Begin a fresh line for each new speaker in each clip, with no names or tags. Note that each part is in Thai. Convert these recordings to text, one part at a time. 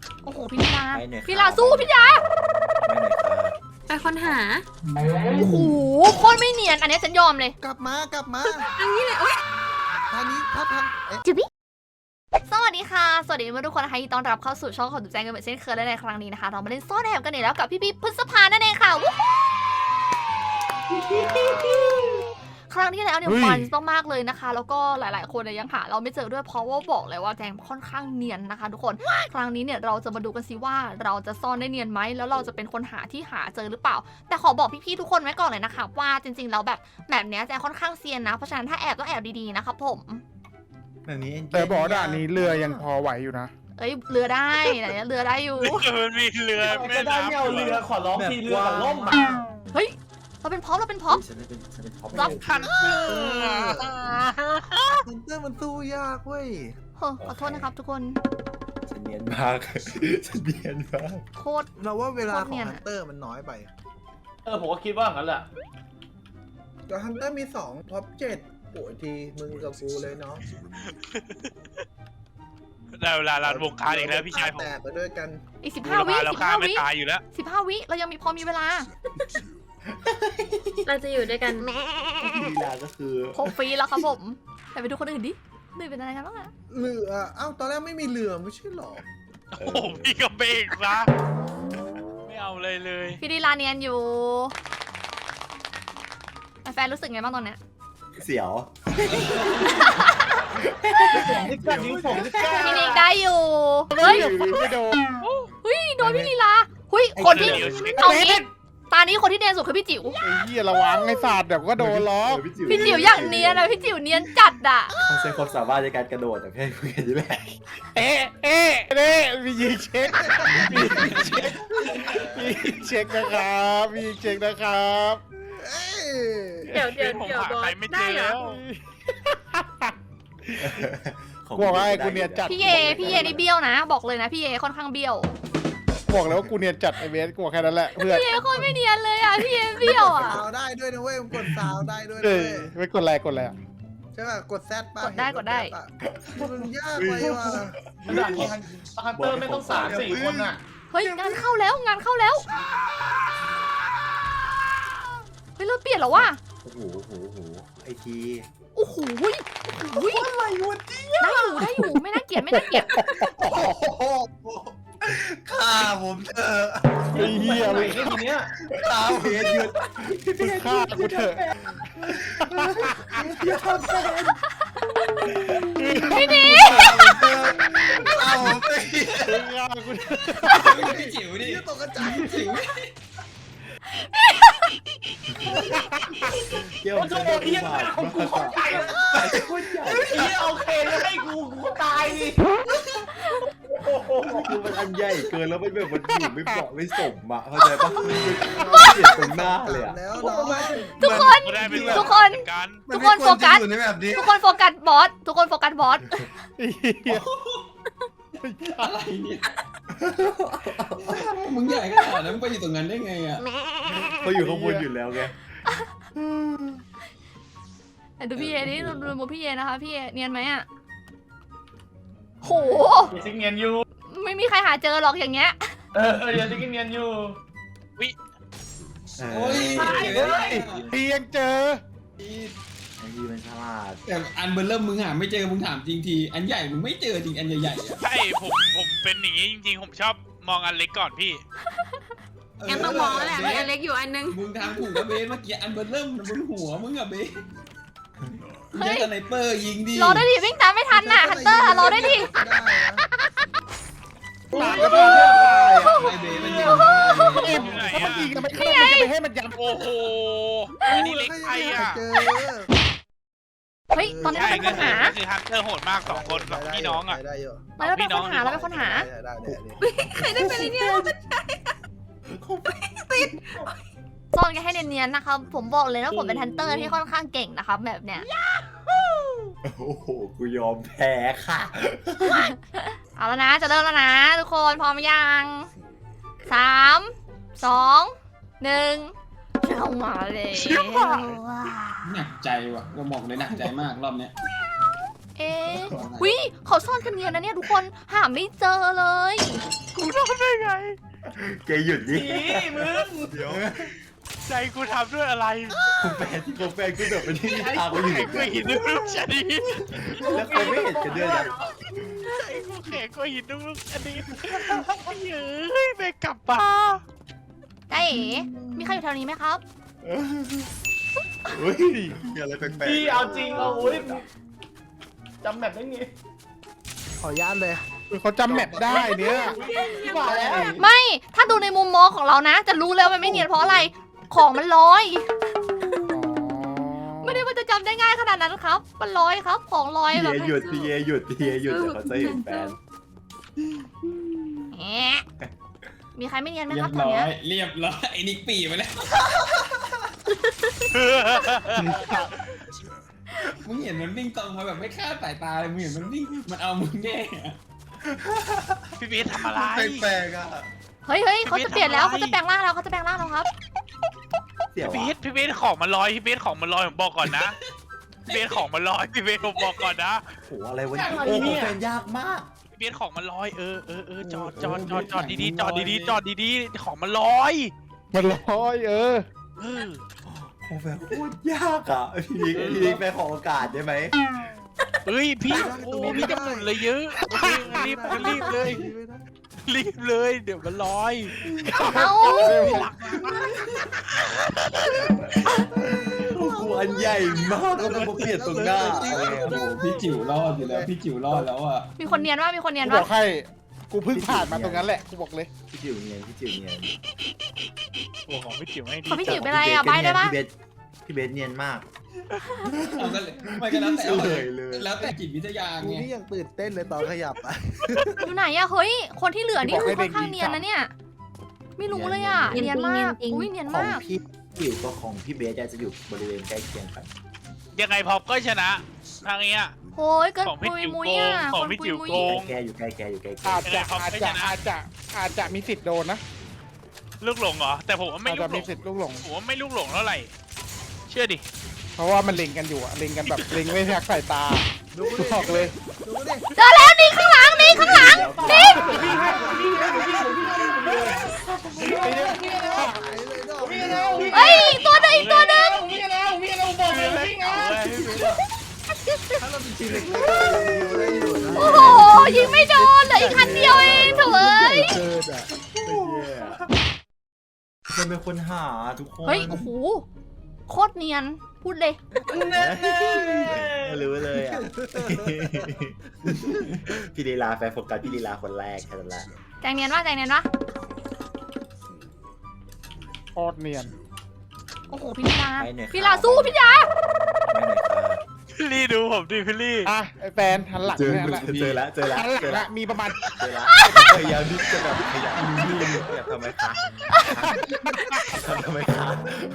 โอ้โหพี่ลา
ไปหน่อยครับ
พี่ลาสู้พี่ยา
ไปค้นหา
โอ้โหโคตรไม่เนียนอันนี้ฉันยอมเลย
กลับมา
อันนี้เลยโอ๊ย
ทางนี้ถ้าทางเอ๊ะ
สวัสดีค่ะสวัสดีทุกคนนะคะยินดีต้อนรับเข้าสู่ช่องของตุ๊กแจงกันเหมือนเช่นเคยและในครั้งนี้นะคะเรามาเล่นซ่อนแอบกันอีกแล้วกับพี่พฤษภานั่นเองค่ะวู้ครั้งที่แล้วเนี่ยมันมากๆเลยนะคะแล้วก็หลายๆคนเนี่ยยังหาเราไม่เจอด้วยเพราะว่าบอกเลยว่าแจงค่อนข้างเนียนนะคะทุกคนครั้งนี้เนี่ยเราจะมาดูกันสิว่าเราจะซ่อนได้เนียนไหมแล้วเราจะเป็นคนหาที่หาเจอหรือเปล่าแต่ขอบอกพี่ๆทุกคนไว้ก่อนเลยนะคะว่าจริงๆแล้วแบบเนี้ยแจงค่อนข้างเซียนนะเพราะฉะนั้นถ้าแอบต้องแอบดีๆนะครับผม
แบบนี้
แต่บอกว่าด่านนี้เรือยังพอไหวอยู่นะ
เอ้ยเรือได้ไหนเรือได้อยู่
มันมีเรือแม่
จะได้
น้ำ
ไม่เอาเรือขอร้องทีเรือกับล่ม
เฮ้ยเราเป็นพร้อมเราเป็นพร้อม
ฉันเป็นพร้อม
รับ
ทันเรือ
ฮันเตอร์มันสู้ยากเว้ย
เฮ้อขอโทษนะครับทุกคน
ฉันเนียนมาก ฉันเนียนมาก
โคตร
เราว่าเวลา
โคตร
ขอ
เนี
ง
ยน
ฮั
อะ
นเตอร์มันน้อยไป
ผมก็คิดว่างั้นแหละ
แต่ฮันเตอร์มี2ท็อป7โอ้ยทีมึงกับกูเลยเนาะ
ได้เวลาลานวงการอีกแล้วพี่ชายผม
แตกไปด้วยกัน
อีก
บู
15
ร
วิ
พาเราฆ่าไม่ตายอยู่แล้ว
15 วิเรายังมีพอมีเวลา
เราจะอยู่ด้วยกัน
ลีลาก็คือ
6 ฟรีแล้วครับผมแต่ไปดูคนอื่นดิหนึ่งเป็นอะไรกันบ้างอะ
เรือเอ้าตอนแรกไม่มีเรือไม่ใช่หรอ
โอ้โหพี่ก็เบรกซะไม่เอาเลยเลย
พี่ดีลาเนียนอยู่แฟนรู้สึกไงบ้างตอนเนี้ย
เสียว
ที่กัดนิ้วผมที่กัด
พี่นิกได้อยู่เฮ้ย
ไม่โดน
เฮ้ยโดนพี่ลีลาเฮ้ยคนที่เอางี้ตานี้คนที่เนียนสุดคือพี่จิ๋ว
ไอ้เหี้ยระวังไอ้ศาสตร์เดี๋ยวก็โดนล้อ
พี่จิ๋วอย่างเนียนอะพี่จิ๋วเนียนจัดอะ
เขาใช้ความสามารถในการกระโดดแต่แค่คุยกันนี่แหละ
เอ๊ะเน่มียิงเช็คมียิงเช็คนะครับมียิงเช็คนะครับ
เอ้ย
เดี๋ยว
ผมหา
บอ
ใคร
ส
ไม่เจ
ได้
อ
เหรอ
แล้ว
บอกว่าไอ้กูเนียนจัด
พี่เยนี่เบี้ยวนะ บอกเลยนะพี่เยค่อนข้างเบี้ยว
บอกแล้วว่ากูเนียนจัดไอ้เบสกูบอกแค่นั้นแหละเพื่อน
พี่เยโคตรไม่เนียนเลยอะพี่เยเบี้ยวอะ
ซาวได้ด้วยนะเว้ยมันกดซาวได้ด้วย
เอ้
นะ
ย
เว้ย
ไม่กดแรง
ใช่ป่ะกดแซดป่ะ
กดได้กดได้
มันยากไปว่ะ
ด่านนี้ฮันเตอร์ไม่ต้อง3-4 คนอ่ะ
เฮ้ยงานเข้าแล้วงานเข้าแล้วเฮ้ยเราเปลี่ยนแล้วว่ะ
โอ้โหไอที
โอ้โหอะไรวะได้อยู่ไม่น่าเกลียดไม่น่าเกลียด
ฆ่าผมเถอะ
ไอ้เหี้ย
ไหน
มึง
ทีเนี้ย
ฆ่าเพจหยุด
ฆ่ากูเถอะ
พี่นิ
ฆ่าผมไป
ฆ่ากูเถอะ
พี่จิ๋วดิตกกระจายจิ๋ว
เกี่ยว
มันจะโดนเทียนหน้าของกูเข้าใจแล้วเฮียโอเคแล้วให้กูตายดิ
คือมันอันใหญ่เกินแล้วมันแบบมันอยู่ไม่เหมาะไม่สมอ่ะเข้าใจปะเปลี่ยนตรงหน้าเลยอ่ะ
แล้วเนาะ
ทุกคน
ก็ได้เป็น
ทุกคน
เหมือกัน
ทุกคนโฟกัส
อยู่ในแบบนี้
ทุกคนโฟกัสบอสทุกคนโฟกัสบอส
ไอ้เหี้ย
อะไรเนี่ยมึงใหญ่ขนาดนั้นมึงไปอยู่ตรงนั้นได้ไงอ่ะ
เขาอยู่ข้างบนอยู่แล้วไง
ดูพี่เยนี่ดูมุมพี่เยนะคะพี่เยเนียนไหมอะโห
อย่าซิกเนียนอยู่
ไม่มีใครหาเจอหรอกอย่างเงี้ย
อย่าซิกเนียนอยู่
โอ้ย
เพียงเจอ
ไอ้ทีมันฉลาด
แต่อันเบอร์เริ่มมึงหาไม่เจอมึงถามจริงทีอันใหญ่มึงไม่เจอจริงอันใหญ่ๆอ่ะ
ใช่ผมเป็นอย่างนี้จริงๆผมชอบมองอันเล็กก่อนพี่
งั้นต้องมองแล้วแหละมีอันเล็กอยู่อันนึง
มึงทำถูกแล้วเบสเมื่อกี้อันเบอร์เริ่มบนหัวมึงอะเบสมึงใช้สไนเปอร์ยิงดิ
รอได้ดิวิ่งตามไม่ทันน่ะฮันเตอร์รอได้ดิ
หลานก็ได้
ไอเบสมันยิง
อยู่ไหน
มัน
อะ
ยิงกันไม่เข้ามันจะไปให้มันยับ
โอ้โหอันนี้เล็กไปอ่ะ
เจอ
เฮ้ยตอนนี้เรา
ใช่
เป็นคนหา
ก็คือฮันเตอร์โหดมากสองคนสองพี่น้องอ่ะ
ได้อยู่
ตอนนี้เราเป็นคนหาเราเป็นคนหา
ได้
ใครได้เป็นอะไรเนี่ย
ซ่อนกันให้เนียนๆนะครับผมบอกเลยนะผมเป็นฮันเตอร์ที่ค่อนข้างเก่งนะครับแบบเนี้ย
โอ้โหกูยอมแพ้ค่ะ
เอาแล้วนะจะเริ่มแล้วนะทุกคนพร้อมยัง3 2 1เข้ามาเลย
หนักใจว่ะเราบอกเลยหนักใจมากรอบเนี้ย
เอ๊ะวิเขาซ่อนกันเนียนนะเนี่ยทุกคนหาไม่เจอเลย
แกหยุดดิ
นี่มึง
เดี๋ยว
ใจกูทำด้วยอะไร
แฟนกูแบบเป็นที่ทางกูอยู่
แข็งกว่าหินลูกชนิด
แล้วเขาไม่เห็นกันด้วยนะ
ใจกูแข็งกว่าหินลูกชนิดเฮ้ยไปกลับมา
ได้เอ๋มีใครอยู่แถวนี้ไหมครับ
เฮ้ยมีอะไรแปลก
พี่เอาจริงเอาอุ้ยจำแบบไม่มี
ขออนุญาตเลย
เขาจำแมปได้เนี่ย
พี่ว่าแล้ว
ไม่ ถ้าดูในมุมมองของเรานะ จะรู้เลยว่ามันไม่เนียนเพราะอะไร ของมันลอย ไม่ได้ว่าจะจำได้ง่ายขนาดนั้นครับ มันลอยครับ ของลอย
พี่
แบบ
เอหยุดพี่เอหยุดเดี๋ยวเขาจะเห็นแฟน
แหมมีใครไม่เนียนไหม
เรี
ค
ย
รับบ ตอน
ร้อ
เนี้ย
ยเรียบร้อยไอ้นิกปีไปแล้วมึงเห็นมันวิ่งตรงมาแบบไม่คาดสายตาเลยมึงเห็นมันวิ่งมันเอามึงแน่
พี่เบสทำอะไร
แปลกๆอ่ะ
เฮ้ยเขาจะเปลี่ยนแล้ว
ไม่
เขา
ทำอะไร
จะแปลงร่างแล้วเขาจะแปลงร่างแล้วครับ
เดี๋ยว
พี่เบสของมันลอยพี่เบสของมันลอยผมบอกก่อนนะพี่เบสของมันลอยพี่เบสผมบอกก่อนนะ
โอ้อะไรวะเนี่ยโอ้แฟนยากมาก
พี่เบสของมันลอยจอดดีๆจอดดีๆของมันลอย
มันลอย
เออ
โอ้แฟนโคตรยากอ่ะพี่ไปขอโอกาสได้ไหม
เฮ้ยพี่โอ้พี่จะหมุนเลยเยอะโอเครีบเลยเดี๋ยวมันลอย
เอ้า
กูอันใหญ่มากแล้วมันมาเปลี่ยนตรงหน้าอะไรอ่ะ
โอ้โหพี่จิ๋วรอดอยู่แล้วพี่จิ๋วรอดแล้วอ่ะ
มีคนเนียนว่ามีคนเนียน
กูบ
ว่า
อกให้ กูเพิ่งผ่านมาตรงนั้นแหละ กูบอกเลย
พี่จิ๋วเนียน
โอ้ของพี่จิ๋วไม่ดี
เขาพี่จิ๋วเป็นไรอ่ะใบได้ปะ
พี่เบสเนียนมาก
เอากันเลยไม่ก็แล้วแต่
เลย
แล้วแต่จิตวิทยา
กู
ไง
นี่ยังตื่นเต้นเลยตอนขยับอ่ะ
อยู่ไหนอะเฮ้ย คนที่เหลือนี่คือค่อนข้างเนียนนะเนี่ย ไม่รู้เลยอะเนียนมากอุ้ยเนียน
ของ
มาก
พี่จิ๋วกับของพี่เบสจะอยู่บริเวณใกล้เคียงกัน
ยังไงพอปก็ชนะทางเนี้ย
โอ้ยเกิน
ของพี่
ปุย
จิ๋ว
มุย
โกง
อะ
ของ
คน
พี่
ปุย
จิ๋ว
มุย
โกง
แกอยู่ใกล้อยู่ใกล้
อาจจะมีสิทธิ์โดนนะ
ลูกหลงเหรอแต่ผมว่าไม่
อาจ
ลู
จะ
กหล
มี
ง
สิทธิ์ลูกหลง
ผมว่าไม่ลูกหลงเท่าไหร่เชื่อดิ
เพราะว่ามันเล็งกันอยู่อะเล็งกันแบบเล็งไม่แทกสายตา
ดูดิ
บอกเลย
ดูดิ
เจอแล้วนี่ข้างหลังนี่ข้างหลังนี่
หายเลยดอก
เฮ้ยตัวหนึ่งอีกตัวหนึ่ง
ถ้าเราเป็นทีมเล็กๆได้อยู่นะ
โอ้โหยิงไม่โดนเหลืออีกคันเดียวเองเถอะเอ้ย
เกินอ่ะ
มันเป็นคนหาทุกคน
เฮ้ยโอ้โหโคตรเนียนพูดเลย
รู้เลยอ่ะพี่ลีลาแฟนโฟกัสพี่ลีลาคนแรกแค่นั้นแหละ
แจงเนียนว่าแจงเนียนว่า
โคตรเนียน
โอ้โหพี่ลาพี่ลาสู้พี่ลา
ไม่ไหนครับ
พี่ลี่ดูผมดิพี่ลี่
อ่ะไอแฟนหันหลัง
เจอ
เนี่ยแหละ
แล้ว
หันหลังละมีประมาณ
เจอแล้วพยายามที่จะแบบขยับทำไมคะทำไมคะ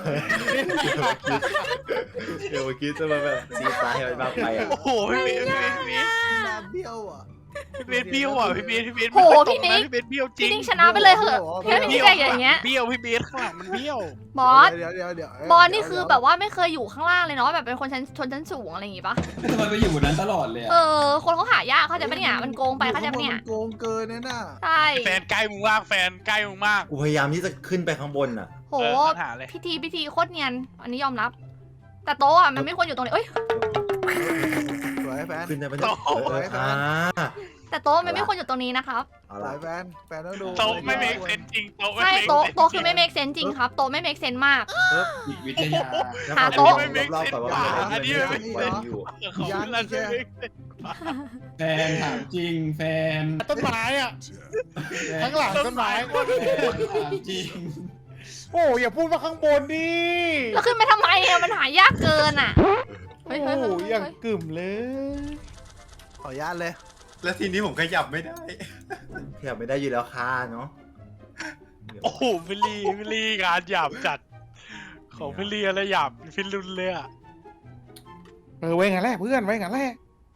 เดี๋ยวเมื่อกี้จะมาแบบซีซ้ายให้มันมากไปอ่ะ
โอ้โหพี่เบส
น้ำเบี้ยวอ่ะ
พี่เบสเบี้ยวอ่ะพี่เบสพี่เบส
โหพี่นิก
พี่เบสเบี้ยวจริ
พี่
ง
นิกชนะไปเลยเหอะแค่พี่แจงอย่างเงี้ย
เบี้ยวพี่เบสข้างหลังมันเบี้ยว
บอส
เดี๋ยว
บอสนี่คือแบบว่าไม่เคยอยู่ข้างล่างเลยเนาะแบบเป็นคนชนชั้นสูงอะไรอย่างงี้ปะ
ทำไมไปอยู่บนนั้นตลอดเลย
เอ
อ่ะ
อคนเขาหายากเขาใจปะเนี่ยมันโกงไปเขาใจปะเนี่ย
โกงเกินน่ะ
ใช่
แฟนใกล้มึงมากแฟนใกล้มึงมาก
กูพยายามที่จะขึ้นไปข้างบนอ่ะ
โห
ปัญหาเลย
พิธีโคตรเนียนอันนี้ยอมรับ แต่โต๊ะอ่ะมันไม่ควรอยู่ตรงนี้เอ้ย
สวยแฟน
ขึ้นได้ไหมเนี่ย
แต่โต๊ะมันไม่ควรอยู่ตรงนี้นะครับ
เอา
ส
ละ
วยแฟนต้องดู
โต๊ะไม่เมคเซนจริงโต๊ะไม่
ใช่
เมค
โต๊ะคือไม่ make sense จริงครับโต๊ะไม่ make sense มาก
จิตวิทยา
หาโต๊ะ
รอบๆก่อนว่าอยู่
ของเราจะไม่
แฟนถามจริงแฟน
ต้นไม้อ่ะข้างหลังต้นไม้
แฟนถามจริง
โอ้อย่าพูดว่าข้างบนดิ
แล้วขึ้นไปทำไมอ่ะมันหายากเกินอ่ะ
โอ้อย่างกึ่มเลย
ขออนุญาตเลย
แล้วทีนี้ผมขยับไม่ได้ขยับไม่ได้อยู่แล้วค่ะเนาะ
โอ้โหพี่ลี่งานหยาบจัดของพี่ลี่อะไรหยาบฟิลุนเลยอ่ะ
ไว้งั้นแหละเพื่อนไว้งั้นแหละ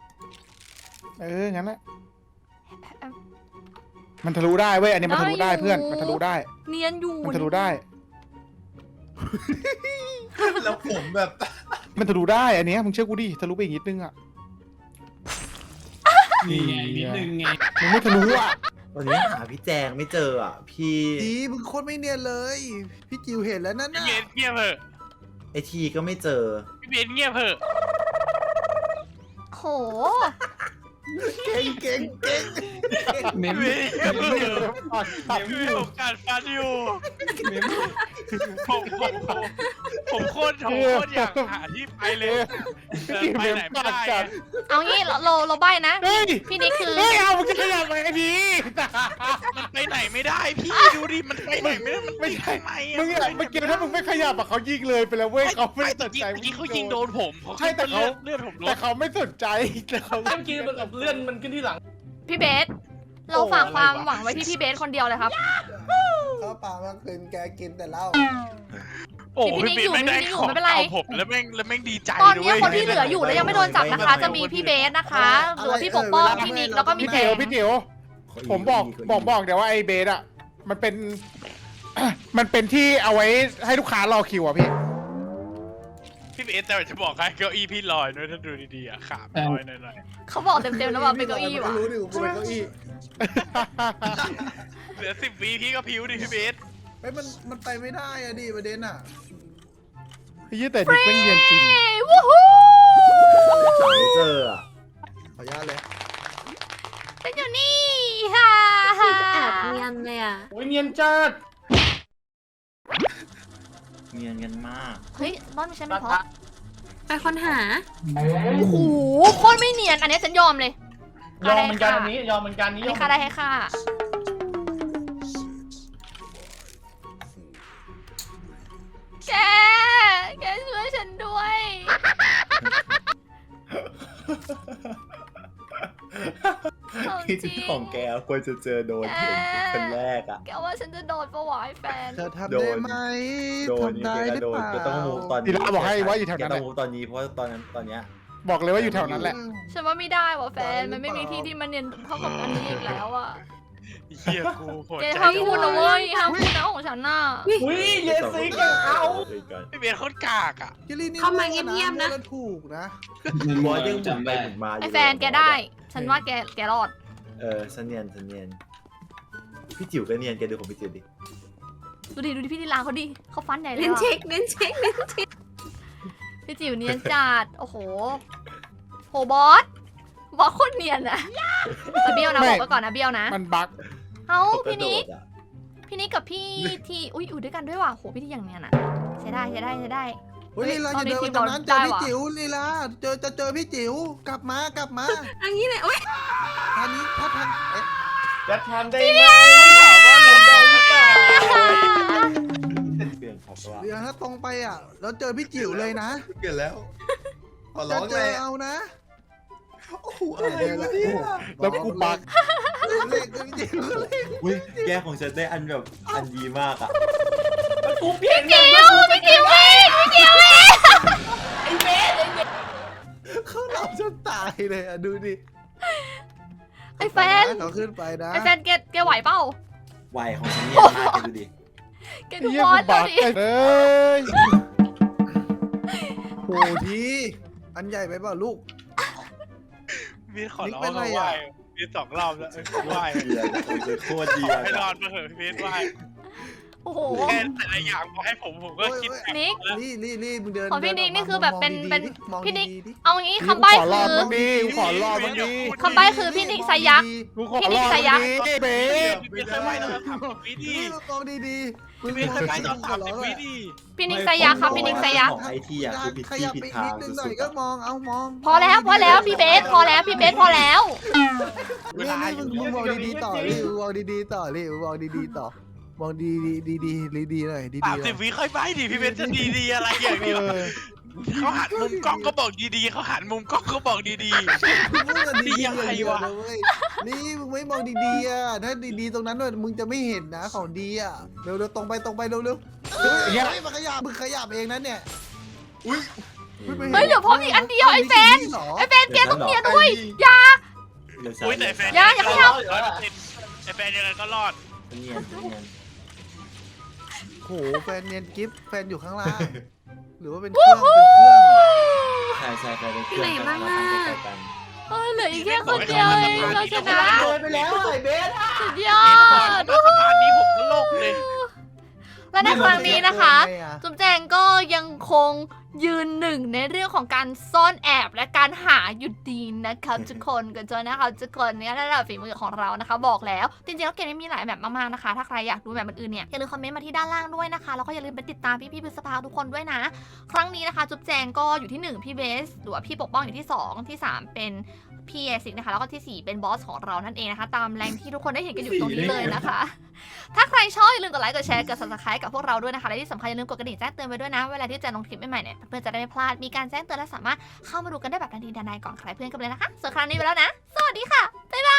งั้นแหละมันทะลุได้เว้ยอันนี้มันทะลุได้เพื่อนมันทะลุได้
เนียนอยู่
มันทะลุได้
แล้วผมแบบ
มันทะลุได้อันเนี้ยมึงเชื่อกูดิทะลุไปอีกนิดนึงอ่ะ
นี่ไงนิดนึงไง
มึงไม่ทะลุอ่ะ
วันนี้หาพี่แจงไม่เจออ่ะ พี่
ดีมึงโคตรไม่เนียนเลย พี่จิ๋วเห็นแล้วนั่น
พี่
น่ะ
เบสเงียบเถอะ
ไอทีก็ไม่เจอ
พี่เบสเงียบเถอะ
โห
เก่งเก่งเก่ง
เม
พี่
ม
เบสเงียบเถอะพี่เบสผมการฟันอยู่ผมโคตรอยากหาที่ไปเลยแต่ไปไหนไม่ได้อะ
เอางี้เราใบ้นะ
เฮ้ย
พี่นิกคือ
เฮ้ยเอามึงจะขยับไปไอ้ที
มันไปไหนไม่ได้พี่ดูดิมันไปไหนไม่ได้มัน
ไม่
ติด
ใช่
ทำไมอะ
มึงอะเมื่อกี้ถ้ามึงไม่ขยับอะเขายิงเลยไปแล้วเว้ยเขาไม่ได้สนใจ
เมื่อกี้เขายิงโดนผม
ใช่แต่เขา
เลือดผมล
แต่
ด
เขาไม่สนใจแต่เขา
เมื่อกี้มันเลื่อนมันขึ้นที่หลัง
พี่เบส เราฝากความหวังไว้ที่พี่เบสคนเดียวเลยครับ
ข้าวปลาเมื่อคืนแกกินแต่เหล้า
โอ้
พี่
พี่
นิก
เบส
อยู่
ไม่ได้ของ
พี่นิกอยู่ไม่เป็นไร
เอาผมแล้วแม่งดีใจ
ตอน
ด้
นี้
วย
คนที่เหลืออยู่แล้วยังไม่โดนจับนะคะ จะมีพี่เบสนะคะหรือว่าพี่ปกป้องพี่นิกแล้วก็มี
พี่
แจ
เจียว
ง
พี่เจียวผมบอกเดี๋ยวว่าไอ้เบสอะมันเป็น มันเป็นที่เอาไว้ให้ลูกค้ารอคิวอะพี่
พี่เบสแต่จะบอกให้เก้าอี้พี่ลอยด้วยถ้าดูดีๆอะขามันลอยหน่อย
เขาบอกเต็มๆแล้วว่าเป็นเก้าอี้ว่ะ
รู้ดิกูเป็นเก้าอี้
ๆเหลือ10 วิพี่ก็พิ้วดิพี่เบส
เฮ้ยมันไปไม่ได้อะดิประเด็นอ่ะ
ยี่แต่เด็กไม่เรียนจริง
เอ้ยวู้ฮู้
หาไม่เจออ่ะ
ขออนุญาตเลย
ฉันอยู่นี่ฮ่าฮ่า
แอบเนียนเลยอ่ะ
โอ้ยเนียนจัด
เนียนกันมาก
เฮ้ยรอบนี้ฉันไม่พอ
ไปค้นหา
โอ้โหโคตรไม่เนียน อันนี้ฉันยอมเลย
ยอมเหมือนกันอันนี้ยอมเหมือนกัน
อัน
นี่
นี้ค่าได้ให้ค่าแกช่วยฉันด้วย เอาจริ
ที่
ง
ของแกควรจะเจอโดนเห็นคนแรกอ่ะ
แกว่าฉันจะโดนปะวะไอ้แฟน
เธอทำได้ไหม
โดน
ทำได้หรือ
โดน
เปล่า
ก็ต้องมูฟตอนนี้
ทีละบอกให้ว่าอยู่แถวนั้น
แก
แห
ต้อ
ละ
งมูฟตอนนี้เพราะว่าตอนเนี้ย
บอกเลยว่าอยู่แถวนั้นแหละ
ฉันว่าไม่ได้ว่ะแฟน มันไม่มีที่ที่มันเนียนเท่ากับอันนี้อีกแล้วอ่ะ
เฮียกูโหด
แก
ใจ
ห้ามพูดนะเว้ยห้ามพูดนะของฉันน่ะ
อุ้ยเยซิกยังเอา
พี่เบสโคตรกากอ่ะ
จิลลี่นี่
เข้ามาเงียบๆนะ
แล้วถูกนะ
บอสยังหมุนไปหมุนมาอยู่
ไอ้แฟนแกได้ ฉันว่าแกรอด
ฉันเนียนพี่จิ๋วก็เนียนแกดูของพี่จิ๋วดิ
ดูดิพี่ดีลาเขาดิเขาฟันใหญ่เลย
เน้น
อะ
เช็คเน้นเช็คเน้นเช็ค
พี่จิ๋วเนียนจัด โอ้โหโหบอสโคตรเนียนอะแต่เบี้ยวนะ
ไม่
บอกไว้ก่อนนะเบี้ยวนะ
มันบั๊ก
เอ้า
เขากระ
พี่
โด
นิก
ดอ่ะ
พี่นิกกับพี่ที่อุ้ยอยู่ด้วยกันด้วยว่ะโหพี่ที่อย่างเนียนอะใช้ได้
เฮ้ย
เฮ้
ลี
ย
ลาอย่าเดินไปตรงนั้นเจอพี่จิ๋วลีลาจะเจอพี่จิ๋วกลับมา
อันนี้เลยโอ๊ย
ทางนี้ถ้าทางเอ๊ะ
จะทำได้ไหมถามว่าทำได้หรือเปล่า
เปลี่ยนของตัว
เดี๋ยวถ้าตรงไปอ่ะแล้วเจอพี่จิ๋วเลยนะ
เปลี่ยนแล้วขอ
จะ
ร้อง
เจ
เล
อย เอานะ
โอ้โหอะไรวะเนี่ย
แล้วกูบั๊ก
เลขพี่จิ๋วเลข
อุ้ยแกของฉันได้อันแบบอันดีมากอ่ะ
กูเปลี่ยน
พี่จิ๋วพี่จิ๋วเองพี่จิ๋วเอง
เขาหลับจนตายเลยอ่ะดูดิ
ไอ้แฟน
เขาขึ้นไปนะ
ไอ้แฟนแกไหวเปล่า
วัยของฉันเนียนมากแกดูดิ
แกดู
เยี่ย
บอ
กู
สดู
บั๊ก
ดิ
เอ้ย
โหทีอันใหญ่ไปเปล่าลูก
พี่ขอร้อง
นิกเป็นไร
ไหว
อะ
พี่2 รอบแล้วไหว
เดียวของฉันโคตรดี
ขอให้ร
อ่ะ
อดมาเถอะพี่เบสไหว
โอ้โห
แค่แต่ละอย่างพอให้ผมก็คิด
นิก
นี่มึงเดิน
ของพี่นิกนี่คือแบบเป็น
มอง
พี่นิก
ดีๆดิ
เอางี้
กู
คำใบ้
ขอรอ
คื
บ
อ
มึงดีกูขอรอบมึงดี
คำใบ้คือพี่นิกไซยักษ์
กูขอรอบมึงดีเบส
พี่เบสเคยไหวตอน30 วิดี
มองดีๆ
พี่เบสเคยไหวตอน30 วิดี
พี่นิกไซยักษ์ครับพี่นิกไซยักษ์
ของไอทีอ่ะคือผิด
ข
ที่
ยับ
ผิด
ไป
ทา
นิ
ง
ดนึงหน่
สุ
อย
ดๆ
ก็
อะ
มองเอามอง
พอแล้วพี่เบสพอแล้วพี่เบสพอแล้ว
เว
นี่
ลา
นี่
อยู่
มึงมองดีๆต่อรีมองดีๆต่อรีมองดีๆต่อมองดีๆหน่อยดีๆหน่อย
30 วิค่อยไปดิพี่เบสจะดีอะไรอย่างเดียวเขาหันมุมกล้องก็บอกดีๆเขาหันมุมกล้องก็บอกดี
มึงอะดีๆ
ยังไงวะ
เว้ยนี่มึงไม่มองดีๆอ่ะถ้าดีๆตรงนั้นมึงจะไม่เห็นนะของดีอ่ะเร็วๆตรงไปเร็วๆเฮ้ยมันขยับมึงขยับเองนะเนี่ย
เฮ้ยเหลือพร้อมอีกอันเดียวไอ้แฟนแกต้องเนียนด้วยอย่า
เดี๋ยว
ๆ
ฉัน
อุ้ยแต่แฟน
อย่าขยับ
ไอแฟนยังไงก็รอด
เนียน
โหแฟนเนียนกิฟต์แฟนอยู่ข้างล่างหรือว่าเป็นเครื่อง
ใช่ไปเลยเครื่องกันมาตั้งใกล้ๆกัน
เหลืออีกแค่คนเดียวเองเราชนะ
เดินไปแล้วไอ้เบส
สุดยอ
เห็นก่อน
ด
มาสะพานนี้ผมก็โลกเลย
และในครั้งนี้นะคะ
ไงอะ
จุ๊บแจงก็ยังคงยืนหนึ่งในเรื่องของการซ่อนแอบและการหาอยู่ดีนะครับทุกคนกันจนนะคะทุกคนเนี่ยระดับฝีมือของเรานะคะบอกแล้วจริงๆแล้วเกมนี้มีหลายแบบมากๆนะคะถ้าใครอยากดูแบบอื่นๆเนี่ยอย่าลืมคอมเมนต์มาที่ด้านล่างด้วยนะคะแล้วก็อย่าลืมไปติดตามพี่ๆพฤษภาทุกคนด้วยนะ ครั้งนี้นะคะจุ๊บแจงก็อยู่ที่1พี่เบสหรือว่าพี่ปกป้องอยู่ที่2ที่3เป็นพี่เอซิกนะคะแล้วก็ที่4เป็นบอสของเรานั่นเองนะคะตามแรงที่ทุกคนได้เห็นกันอยู่ตรงนี้เลยนะคะ ถ้าใครชอบอย่าลืมกดไลค์กดแชร์กด subscribe กับพวกเราด้วยนะคะและที่สำคัญอย่าลืมกดกระดิ่งแจ้งเตือนไว้ด้วยนะเวลาที่จะลงคลิปใหม่ๆเนี่ยเพื่อนจะได้ไม่พลาดมีการแจ้งเตือนและสามารถเข้ามาดูกันได้แบบทันทีทันใดก่อนใครเพื่อนกันเลยนะคะส่วนครั้งนี้ไปแล้วนะสวัสดีค่ะบ๊ายบาย